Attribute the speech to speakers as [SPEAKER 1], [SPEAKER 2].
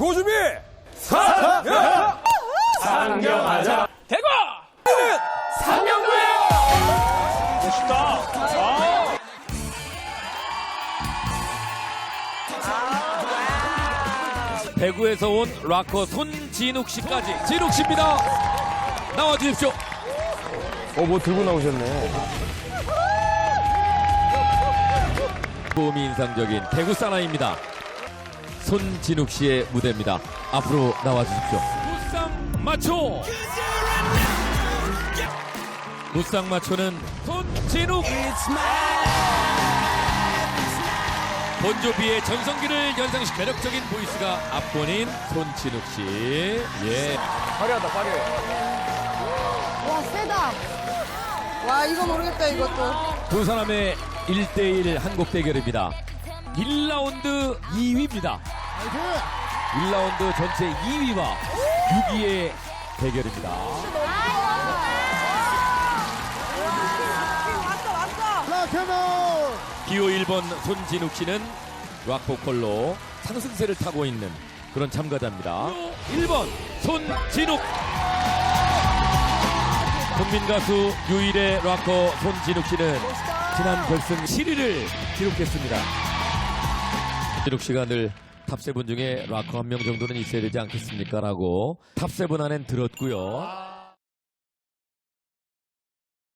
[SPEAKER 1] 고준비
[SPEAKER 2] 상경하자.
[SPEAKER 1] 대구
[SPEAKER 2] 상경도예요. 멋있다.
[SPEAKER 1] 대구에서 온 락커 손진욱 씨까지 진욱 씨입니다. 나와 주십시오.
[SPEAKER 3] 뭐 들고 나오셨네.
[SPEAKER 1] 보험이 인상적인 대구 사나이입니다. 손진욱 씨의 무대입니다. 앞으로 나와 주십시오. 무쌍 마초. 무쌍 마초는 손진욱. 본조비의 전성기를 연상시킨 매력적인 보이스가 앞본인 손진욱 씨. 예.
[SPEAKER 3] 화려하다, 화려해.
[SPEAKER 4] 와, 세다. 와, 이거 모르겠다, 이것도.
[SPEAKER 1] 두 사람의 1대1 한국 대결입니다. 1라운드 2위입니다. 1라운드 전체 2위와 6위의 대결입니다. 기호 1번 손진욱 씨는 락 보컬로 상승세를 타고 있는 그런 참가자입니다. 1번 손진욱. 국민 가수 유일의 락커 손진욱 씨는 지난 결승 7위를 기록했습니다. 진욱 씨가 늘 탑7 중에 락커 한 명 정도는 있어야 되지 않겠습니까? 라고 탑7 안엔 들었고요.